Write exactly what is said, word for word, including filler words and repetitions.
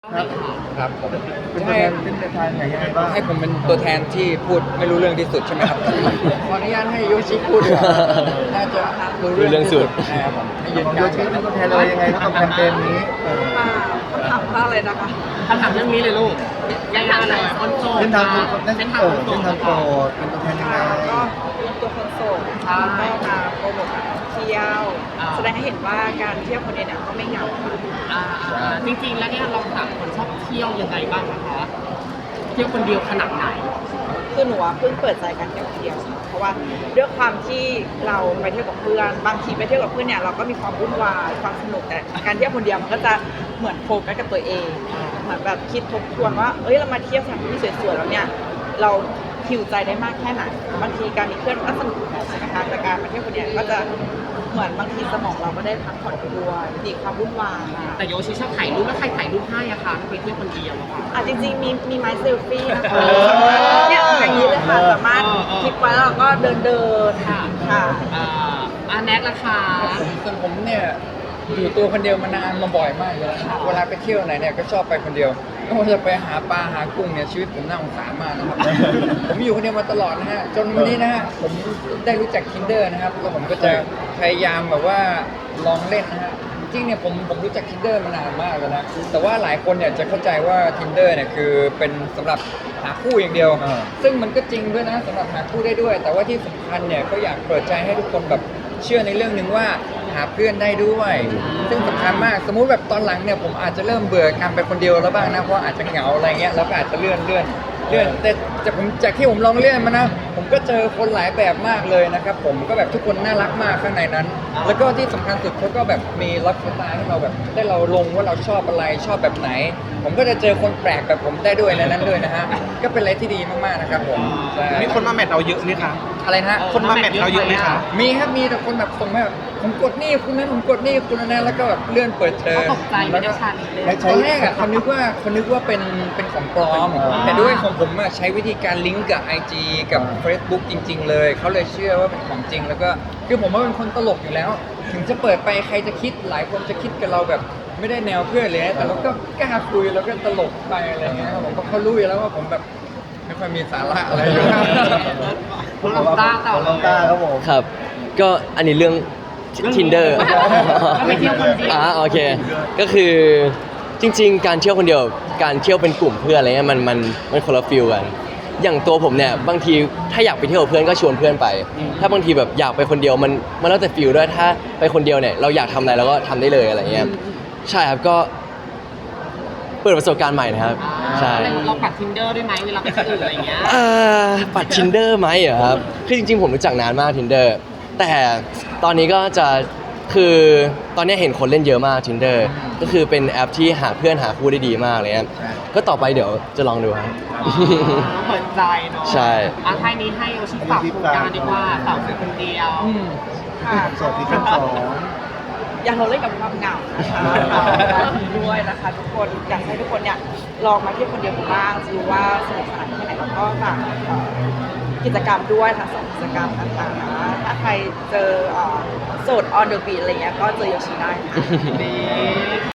ครับครับผมเป็นตัวแทนเป็นตัวแทนไหนยังไงบ้างให้ผมเป็นตัวแทนที่พูดไม่รู้เรื่องที่สุดใช่ไหมครับ ขออนุญาตให้โยชิพูดดีกว่าน่าจะรู้รู้เรื่องสุดนะครับผมให้ยืนของกโยลางชิเป็นตัวแทนอะไรยังไงครับกับแคมเปญนี้เออค่ะคำถามว่าอะไรนะคะคำถามเรื่องนี้เลยลูกง่ายๆเลยคนโสดเส้นทางนะคนเส้เส้นนทาทาง งคนโสเส้นดทางโปรดเป็นตัวแทนยังไงก็เป็นตัวคนโสดนะคะก็มาโปรโมทการท่องเที่ยว แสดงให้เห็นว่าการเที่ยวคนเดียวเนี่ยก็ไม่เหงาค่ะอ่าอ่าจริงๆ แล้วเนี่ยเราสามคนชอบเที่ยวยังไงบ้างนะคะเที่ยวคนเดียวขนาดไหนคือหนูอะเพิ่งเปิดใจการเที่ยวคนเดียวค่ะเพราะว่าด้วยความที่เราไปเที่ยวกับเพื่อน บางทีไปเที่ยวกับเพื่อนเนี่ยเราก็มีความวุ่นวายความสนุกแต่การเที่ยวคนเดียวมันก็จะเหมือนโฟกัสกับตัวเองเหมือนแบบคิดทบทวนว่าเอ้ยเรามาเที่ยวสถานที่สวยๆแล้วเนี่ยเราหิวใจได้มากแค่ไหนบางทีการมีเพื่อนมันก็สนุกแบบใช่ไหมคะแต่การมาเที่ยวคนเดียวก็จะเหมือนบางทีสมองเราก็ได้พักผ่อนไปด้วยหนีความวุ่นวายนะแต่โยชิชอบถ่ายรูปแล้วใครถ่ายรูปให้อะคะไปเที่ยวคนเดียวอะค่ะอ่ะจริงๆมีมีไม้เซลฟี่นะคะเออเนี่ยอย่างนี้เลยค่ะสามารถเออเออคลิกไว้แล้วเราก็เดินเดินๆค่ะค่ะอ่าอาแน็กราคาผมส่วนผมเนี่ยอยู่ตัวคนเดียวมานานมาบ่อยมากเลยนะเวลาไปเที่ยวไหนเนี่ยก็ชอบไปคนเดียวไม่ว่าจะไปหาปลาหากุ้งเนี่ยชีวิตผมน่าสงสารมากนะครับ ผมอยู่คนเดียวมาตลอดนะฮะจนวันนี้นะฮะผมได้รู้จัก Tinder นะครับแล้วผมก็จะพยายามแบบว่าลองเล่นนะฮะจริงๆเนี่ยผมผมรู้จัก Tinder มานานมากแล้วนะแต่ว่าหลายคนเนี่ยจะเข้าใจว่า Tinder เนี่ยคือเป็นสำหรับหาคู่อย่างเดียวอ่าซึ่งมันก็จริงด้วยนะสำหรับหาคู่ได้ด้วย แต่ว่าที่สำคัญเนี่ยก็อยากเปิดใจให้ทุกคนแบบเชื่อในเรื่องหนึ่งว่าหาเพื่อนได้ด้วย ซึ่งสำคัญมากสมมุติแบบตอนหลังเนี่ยผมอาจจะเริ่มเบื่อการไปคนเดียวแล้วบ้างนะเพราะอาจจะเหงาอะไรเงี้ยแล้วก็อาจจะเลื่อนเลื่อนเลื่อนแต่จากผมจากที่ผมลองเลื่อนมานะผมก็เจอคนหลายแบบมากเลยนะครับผมก็แบบทุกคนน่ารักมากข้างในนั้น แล้วก็ที่สำคัญสุดเขาก็แบบมีไลฟ์สไตล์ให้เราแบบได้เราลงว่าเราชอบอะไรชอบแบบไหน ผมก็จะเจอคนแปลกแบบผมได้ด้วยในนั้นด้วยนะฮะก็เป็นอะไรที่ดีมากๆนะครับผมใช่มีคนมาแมทเราเยอะไหมคะอะไรนะฮะคนมาแมทเราเยอะไหมคะมีครับมีแต่คนแบบส่งมาแบบผมกดนี่คุณนั้นผมกดนี่คุณนั้นแล้วก็แบบเลื่อนเปิดเจอเขาตกใจไม่แล้วได้ก็ชาลิเลยไม่ตใช่อนแรกอ่ะเขานึกว่าเขานึกว่าเป็นเป็นของปลอมอ่าแต่ด้วยของผมอะใช้วิธีการลิงก์กับ ไอ จี กับอ่า Facebook จริง ๆ เลยเขาเลยเชื่อว่าเป็นของจริง แล้วก็คือผมว่าเป็นคนตลกอยู่แล้ว ถึงจะเปิดไปใครจะคิดหลายคนจะคิดกับเราแบบไม่ได้แนวเพื่อนเลยนะแต่เราก็กล้าคุยแล้วก็ตลกไปอะไรเงี้ยครับผมก็เขารู้อยู่แล้วว่าผมแบบไม่ค่อยมีสาระอะไรอยู่คุณลองต้าต่อลองต้าครับผมครับ ก็อันนี้เรื่อง Tinder ก็ไปเที่ยวคนเดียวอ่าโอเค ก็คือจริง ๆ การเที่ยวคนเดียว การเที่ยวเป็นกลุ่มเพื่อนอะไรเงี้ยมันมันมันคนละฟิลกัน อย่างตัวผมเนี่ยบางทีถ้าอยากไปเที่ยวกับเพื่อนก็ชวนเพื่อนไป ถ้าบางทีแบบอยากไปคนเดียวมันมันแล้วแต่ฟิลด้วยถ้าไปคนเดียวเนี่ยเราอยากทำอะไรเราก็ทำได้เลยอะไรเงี้ยใช่ครับก็เปิดประสบการณ์ใหม่นะครับใช่เราปัด Tinder ด้วยไหมเวลาไปที่อื่นอะไรอย่างเงี้ยอ่าปัด Tinder ไหมเหรอครับ คือจริงๆ ผมรู้จักนานมาก Tinder แต่ตอนนี้ก็จะคือตอนนี้เห็นคนเล่นเยอะมาก Tinder ก็คือเป็นแอปที่หาเพื่อนหาคู่ได้ดีมากเลยครับก็ต่อไปเดี๋ยวจะลองดูครับเปิดใจเนาะใช่อ่ะท้ายนี้ให้โยชิฝากโครงการดีกว่าเต่าคือคนเดียวอืมค่ะโสดที่ชั้นสองอย่าทนเล่นกับความเหงานะคะเราด้วยนะคะ ทุกคนอยากให้ทุกคนเนี่ยลองมาเที่ยวคนเดียวดูบ้างจะรู้ว่าสนุกสนานแค่ไหนแล้วก็ฝากเอ่อกิจกรรมด้วยทั้งสองกิจกรรมต่างๆนะถ้าใครเจอเอ่อโสด on the beat อะไรเงี้ยก็เจอโยชิได้ค่ะนี่